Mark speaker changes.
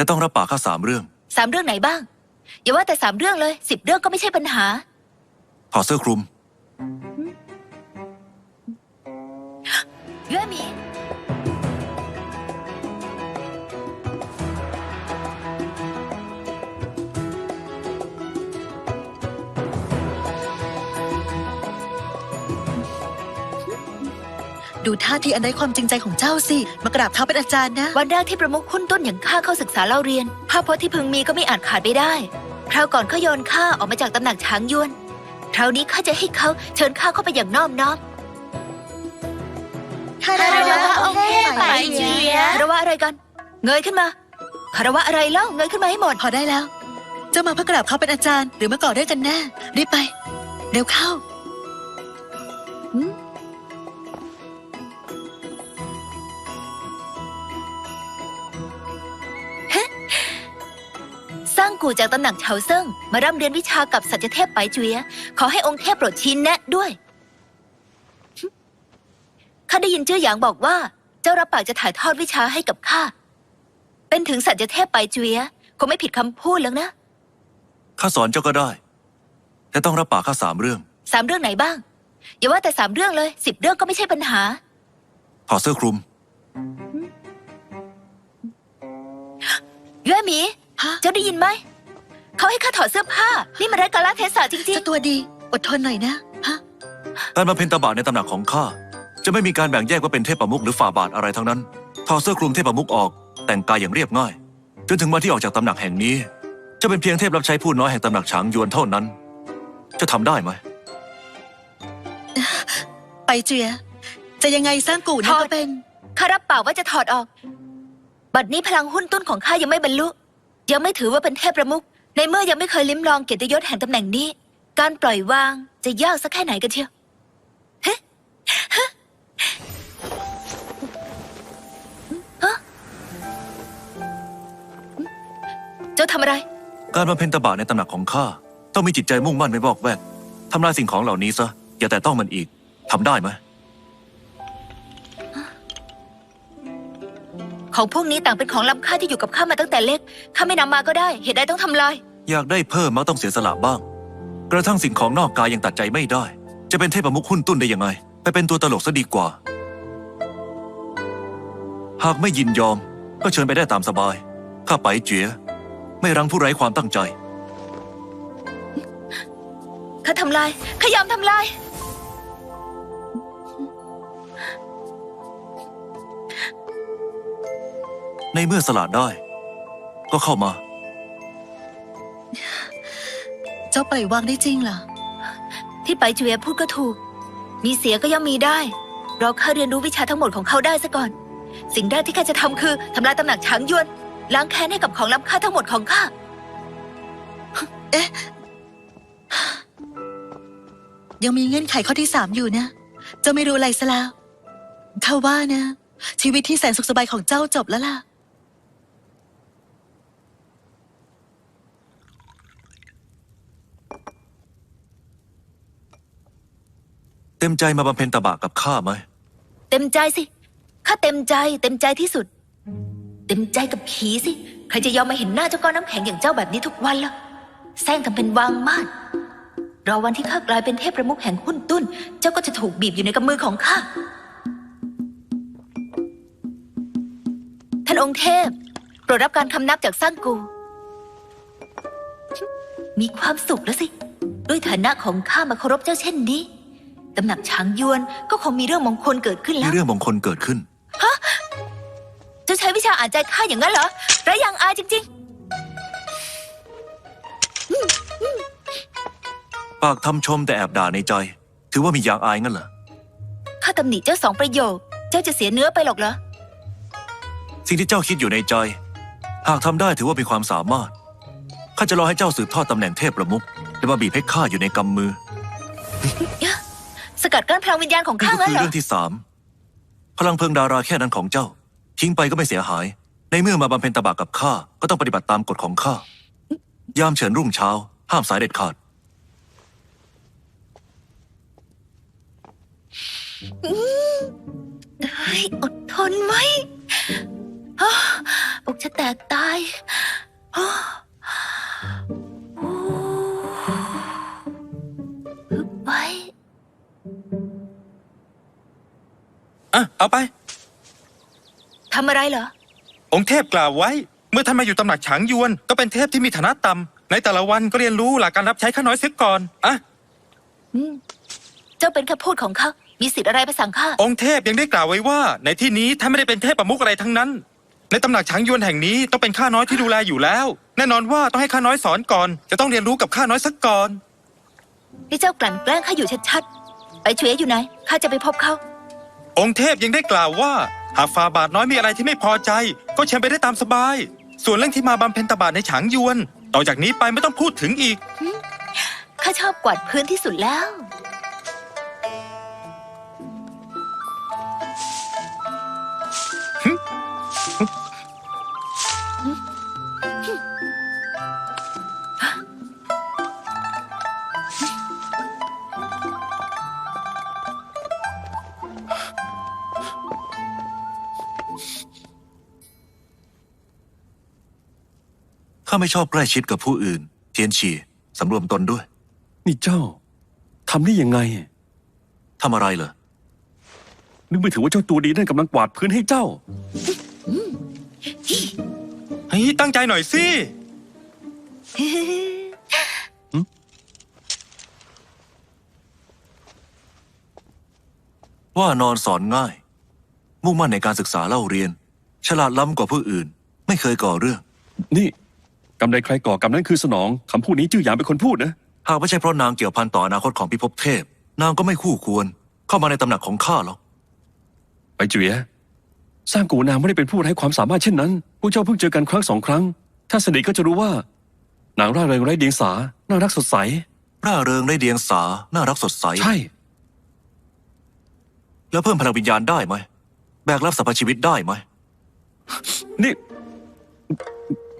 Speaker 1: แต่ต้องรับปากข้า3 เรื่อง
Speaker 2: 3 เรื่องไหนบ้างอย่าว่าแต่3 เรื่องเลย10 เรื่องก็ไม่ใช่ปัญหา
Speaker 1: ถอดเสื้อคลุม
Speaker 2: เย่หมี
Speaker 3: ดูท่าทีอันไร้ความจริงใจของเจ้าสิมากราบเท้าเป็นอาจารย์นะ
Speaker 2: วันแรกที่ประมุขหุ้นต้นอย่างข้าเข้าศึกษาเล่าเรียนภาพพจน์ที่พึงมีก็ไม่อาจขาดไปได้คราวก่อนเขาโยนข้าออกมาจากตำหนักช้างยวนคราวนี้ข้าจะให้เขาเชิญข้าเข้าไปอย่างน้อมน้อม
Speaker 3: คารวะองค์เทพไปเจีย
Speaker 2: คารวะอะไรกันเงยขึ้นมาคารวะอะไรเล่าเงยขึ้นมาให้หมด
Speaker 3: พอได้แล้วเจ้ามาเพื่อกราบเขาเป็นอาจารย์หรือมาก่อเรื่องกันแน่รีบไปเร็วเข้า
Speaker 2: สร้างกูจากตำหนักเฉาเซิ่งมาร่ำเรียนวิชากับสัจเทพไปเจียขอให้องค์เทพโปรดชี้แนะด้วยข้าได้ยินเจ้าหยางบอกว่าเจ้ารับปากจะถ่ายทอดวิชาให้กับข้าเป็นถึงสัจเทพไปเจียคงไม่ผิดคำพูดแล้วนะ
Speaker 1: ข้าสอนเจ้าก็ได้แต่ต้องรับปากข้า3 เรื่อง
Speaker 2: 3 เรื่องไหนบ้างอย่าว่าแต่3 เรื่องเลย10 เรื่องก็ไม่ใช่ปัญหา
Speaker 1: ถอดเสื้อคลุม
Speaker 2: เย่หมีเจ้าได้ยินไหมเขาให้ข้าถอดเสื้อผ้านี่มันไร้กาลเทศะจริง
Speaker 3: เจ้าตัวดีอดทนหน่อยนะ
Speaker 1: การมาเพ็ญตบะในตำหนักของข้าจะไม่มีการแบ่งแยกว่าเป็นเทพประมุขหรือฝ่าบาทอะไรทั้งนั้นถอดเสื้อคลุมเทพประมุขออกแต่งกายอย่างเรียบง่ายจนถึงวันที่ออกจากตำหนักแห่งนี้จะเป็นเพียงเทพรับใช้ผู้น้อยแห่งตำหนักฉางยวนเท่านั้นจะทำได้ไหม
Speaker 3: ไปเจียจะยังไงสร้างกูนั่นก็เป็น
Speaker 2: ข้ารับปากว่าจะถอดออกบัดนี้พลังหุ้นต้นของข้ายังไม่บรรลุยังไม่ถือว่าเป็นเทพประมุขในเมื่อยังไม่เคยลิ้มลองเกียรติยศแห่งตำแหน่งนี้การปล่อยวางจะยากสักแค่ไหนกันเชียวเจ้าทำอะไร
Speaker 1: การมาเพ็ญตบะในตำหนักของข้าต้องมีจิตใจมุ่งมั่นไม่บอกแวกทำลายสิ่งของเหล่านี้ซะอย่าแต่ต้องมันอีกทำได้ไหม
Speaker 2: ของพวกนี้ต่างเป็นของล้ำค่าที่อยู่กับข้ามาตั้งแต่เล็กข้าไม่นำมาก็ได้เหตุใดต้องทำลาย
Speaker 1: อยากได้เพิ่มมักต้องเสียสละบ้างกระทั่งสิ่งของนอกกายยังตัดใจไม่ได้จะเป็นเทพประมุขหุ้นตุ้นได้ยังไงไปเป็นตัวตลกซะดีกว่าหากไม่ยินยอมก็เชิญไปได้ตามสบายข้าไปเจียไม่รั้งผู้ไร้ความตั้งใจ
Speaker 2: ข้าทำลายข้ายอมทำลาย
Speaker 1: ในเมื่อสละได้ก็เข้ามา
Speaker 3: เจ้าปล่อยวางได้จริงเหรอ
Speaker 2: ที่ไปเจียพูดก็ถูกมีเสียก็ย่อมมีได้รอข้าเรียนรู้วิชาทั้งหมดของเขาได้ซะก่อนสิ่งแรกที่ข้าจะทำคือทำลายตำหนักช้างยวนล้างแค้นให้กับของล้ำค่าทั้งหมดของข้า
Speaker 3: เอ๊ะยังมีเงื่อนไขข้อที่3อยู่นะเจ้าไม่รู้อะไรซะแล้วข้าว่านะชีวิตที่แสนสุขสบายของเจ้าจบแล้วล่ะ
Speaker 1: เต็มใจมาบำเพ็ญตบะกับข้าไหม
Speaker 2: เต็มใจสิข้าเต็มใจที่สุดเต็มใจกับผีสิใครจะยอมมาเห็นหน้าเจ้าก้อนน้ำแข็งอย่างเจ้าแบบนี้ทุกวันล่ะแซงทำเป็นวางมาดรอวันที่ข้ากลายเป็นเทพประมุขแห่งหุ้นตุ้นเจ้าก็จะถูกบีบอยู่ในกำมือของข้าท่านองค์เทพโปรดรับการคำนับจากสร้างกูมีความสุขแล้วสิด้วยฐานะของข้ามาเคารพเจ้าเช่นนี้ตำหนักช้างยวนก็คงมีเรื่องมงคลเกิดขึ้นแล้ว
Speaker 1: มีเรื่องมงคลเกิดขึ้น
Speaker 2: ฮะเจ้าใช้วิชาอ่านใจข้าอย่างนั้นเหรอไร้ยางอายจริง
Speaker 1: ปากทำชมแต่แอบด่าในใจถือว่ามียางอายงั้นเหรอ
Speaker 2: ข้าตำหนิเจ้า2 ประโยคเจ้าจะเสียเนื้อไปหรอกเหรอ
Speaker 1: สิ่งที่เจ้าคิดอยู่ในใจหากทำได้ถือว่ามีความสามารถข้าจะรอให้เจ้าสืบทอดตำแหน่งเทพประมุขและมาบีบให้ข้าอยู่ในกำมือ
Speaker 2: สกัดกั้นพลังวิญญาณของข้างั้นเหรอ
Speaker 1: นี่ก็คือเรื่องที่3พลังเพลิงดาราแค่นั้นของเจ้าทิ้งไปก็ไม่เสียหายในเมื่อมาบำเพ็ญตบะกับข้าก็ต้องปฏิบัติตามกฎของข้ายามเฉินรุ่งเช้าห้ามสายเด็ดขาด
Speaker 2: อดทนไว้อกจะแตกตายอ้อโอ้ฮึบไว้
Speaker 4: อ่ะเอาไป
Speaker 2: ทำอะไรเหรอ
Speaker 4: องค์เทพกล่าวไว้ เมื่อท่านมาอยู่ตำหนักฉางยวนก็เป็นเทพที่มีฐานะต่ำในแต่ละวันก็เรียนรู้หลักการรับใช้ข้าน้อยเสียก่อนอ่ะ
Speaker 2: เจ้าเป็นคำพูดของเขา มีสิทธิ์อะไรไปสั่งข้า
Speaker 4: องค์เทพยังได้กล่าวไว้ว่า ในที่นี้ท่านไม่ได้เป็นเทพประมุขอะไรทั้งนั้น ในตำหนักฉางยวนแห่งนี้ต้องเป็นข้าน้อยที่ดูแลอยู่แล้ว แน่นอนว่าต้องให้ข้าน้อยสอนก่อน จะต้องเรียนรู้กับข้าน้อยสักก่อน
Speaker 2: ให้เจ้ากลั่นแกล้งข้าอยู่ชัดๆ ไปช่วยอยู่ไหน ข้าจะไปพบเขา
Speaker 4: องค์เทพยังได้กล่าวว่าหากฝ่าบาทน้อยมีอะไรที่ไม่พอใจ ก็เชิญไปได้ตามสบาย ส่วนเรื่องที่มาบำเพ็ญตบะในฉางยวน ต่อจากนี้ไปไม่ต้องพูดถึงอีก
Speaker 2: ข้าชอบกวาดพื้นที่สุดแล้ว
Speaker 1: ข้าไม่ชอบใกล้ชิดกับผู้อื่น เทียนฉีสำรวมตนด้วย
Speaker 5: นี่เจ้าทำได้ยังไง
Speaker 1: ทำอะไรเหรอ
Speaker 5: นึกไม่ถึงว่าเจ้าตัวดีนั่นกำลังกวาดพื้นให้เจ้า
Speaker 4: เฮ้ยตั้งใจหน่อยสิ
Speaker 1: ว่านอนสอนง่าย มุ่งมั่นในการศึกษาเล่าเรียน ฉลาดล้ำกว่าผู้อื่น ไม่เคยก่อเรื่อง
Speaker 5: นี่กรรมใดใครก่อกรรมนั้นคือสนองคำพูดนี้จื้อหยางเป็นคนพูดนะ
Speaker 1: หากไม่ใช่เพราะนางเกี่ยวพันต่ออนาคตของพิภพเทพ นางก็ไม่คู่ควร เข้ามาในตำหนักของข้าหรอก
Speaker 5: ไปเจี๋ยสร้างกูนางไม่ได้เป็นผู้ไร้ความสามารถเช่นนั้นพวกเจ้าเพิ่งเจอกันครั้งสองครั้ง ถ้าสนิทก็จะรู้ว่านางร่าเริงไร้เดียงสาน่ารักสดใส
Speaker 1: ร่าเริงได้เดียงสา น่ารักสดใส
Speaker 5: ใช่
Speaker 1: แล้วเพิ่มพลังวิญญาณได้ไหม แบกรับสรรพชีวิตได้ไหม
Speaker 5: นี่